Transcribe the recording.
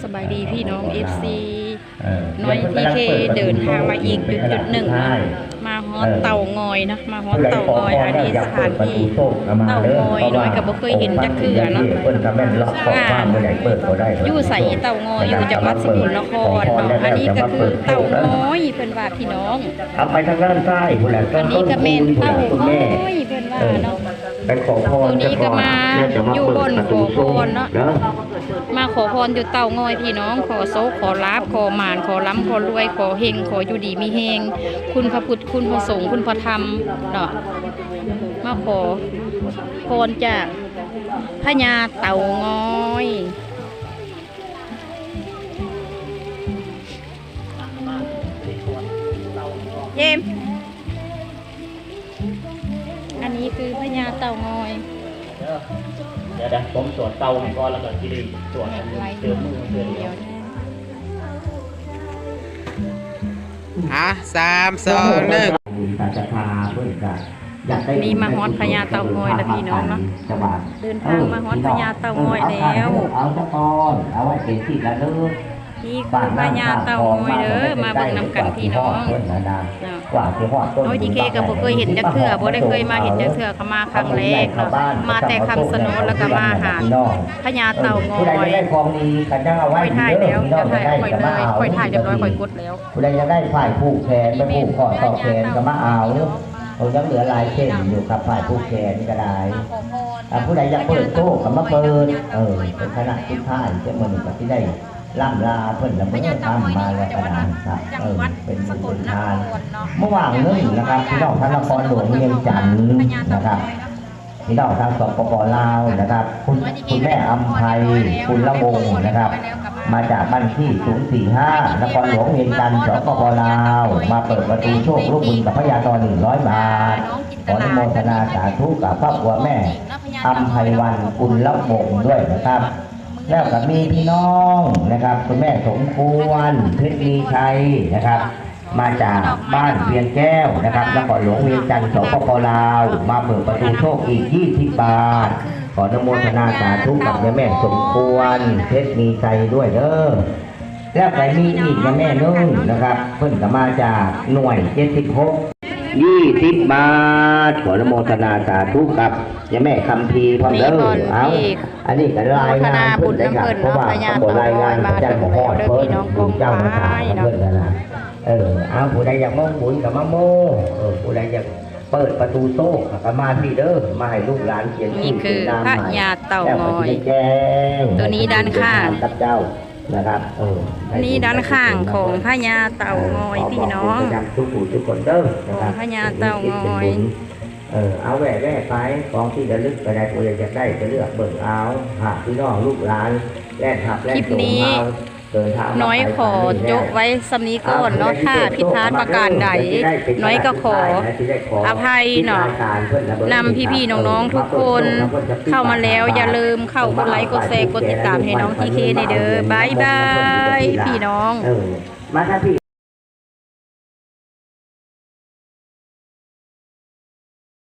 บายดีพี่น้อง FC น้อยทีเคเดินทางมาอีกจุดหนึ่งนะมาฮอตเต่างอยนะมาฮอตเต่างอยอันนี้สถานที่เต่างอยน้อยกับบ่เคยเห็นจักเทื่อเนาะอยู่ใส่เต่างอยอยู่จังหวัดสกลนครเนาะอันนี้ก็คือเต่างอยเพิ่นว่าพี่น้องเอาไปทางด้านซ้ายผู้แหละอันนี้ก็เป็นเต่างอยเพิ่นว่าเนาะไปขอพรตัวนี้ก็มาอยู่บนขอพรเนาะมาขอพรอยู่เต่างอยพี่น้องขอโซขอลาบขอหมานขอล้ำขอรวยขอเฮงขออยู่ดีมีเฮงคุณพระพุทธคุณพระสงฆ์คุณพระธรรมเนาะมาขอพรจากพญาเต่างอยเจมอันนี้คือพญาเต่างอยเดี๋ยวผมตรวจเตาให้ก่อนแล้วก็ที่ได้ตรวจเติมมือเติมเดียว 3-2-1นี่มาฮอดพญาเต่างอยแล้วพี่น้องเนาะเดินทางมาฮอดพญาเต่างอยแล้วเอาตะกอนเอาไว้เป็นที่ระลึกนี่คือพญาเต่างอยเด้อมาเบิ่งนำกันพี่น้องน้อยทีเคก็บ่เคยเห็นจักเทื่อบ่ได้เคยมาเห็นจักเทื่อก็มาครั้งแรกเนาะมาแต่คำสนนแล้วก็มาหาพญาเต่างอยค่อยถ่ายแล้วจะถ่ายค่อยเลยค่อยถ่ายเรียบร้อยค่อยกดแล้วผู้ใดจะได้ฝ่ายผูกแขนไปผูกคอต่อแขนก็มาเอาเรายังเหลือลายเส้นอยู่กับฝ่ายผูกแขนก็ได้ผู้ใดอยากเปิดโต๊ะก็มาเปิดเป็นขนาดที่ท่ายจะเหมือนกับที่ได้ล่ำลาเพิ่นละเมื่อทำมาแล้วก็ได้ครับเป็นบุญทานเมื่อวานนี้นะครับพี่น้องท่านนครหลวงเวียงจันทร์นะครับพี่น้องทางสปป.ลาวนะครับคุณแม่อำไพคุณละวงนะครับมาจากบ้านที่045นครหลวงเวียงจันทร์สปป.ลาวมาเปิดประตูโชคลูกบุญกับพญาตอ100 บาทขออนุโมทนาสาธุกับครอบครัวแม่อำไพวันคุณละวงด้วยนะครับแล้วก็มีพี่น้องนะครับคุณแม่สมควรเพชรมีชัยนะครับมาจากบ้านเวียงแก้วนะครับนครหลวงเวียงจันทร์สปป.ลาวมาเปิดประตูโชคอีก20 บาทขออนุโมทนาสาธุกับแม่สมควรเพชรมีชัยด้วยเด้อแล้วก็มีอีกแม่นุ่งนะครับเพิ่นก็มาจากหน่วย76 20 บาทขออนุโมทนาสาธุกับแม่คำพีพร้อมเด้อเอาอันนี้ก็รายงานเพิ่นได้ครับเพราะว่าเขารายงานพระเจ้าของพ่อเพิ่นเจ้ามาถามเพิ่นนะเอาผู้ใดอยากมองบุญกับมะโมผู้ใดอยากเปิดประตูโซ่ก็มาที่เด้อมาให้ลูกหลานเขียนนี่คือพญาเต่างอยตัวนี้ด้านข้างกับเจ้านะครับนี่ด้านข้างของพญาเต่างอยพี่น้องทุกคนเด้อของพญาเต่างอยเอาแหวนไปของที่ระลึกก็ได้ผู้ใดจะได้จะเลือกเบิ่งเอาหากพี่น้องลูกหลานแลกหับแลกส่งเอาน้อยขอโจ๊ะไว้สำนี้ก่อนเนาะถ้าผิดพลาดประการใดน้อยก็ขออภัยเนาะนำพี่ๆน้องๆทุกคนเข้ามาแล้วอย่าลืมเข้ากดไลค์กดแชร์กดติดตามให้น้องทีเคในเด้อบายบายพี่น้องมาถ้าพี่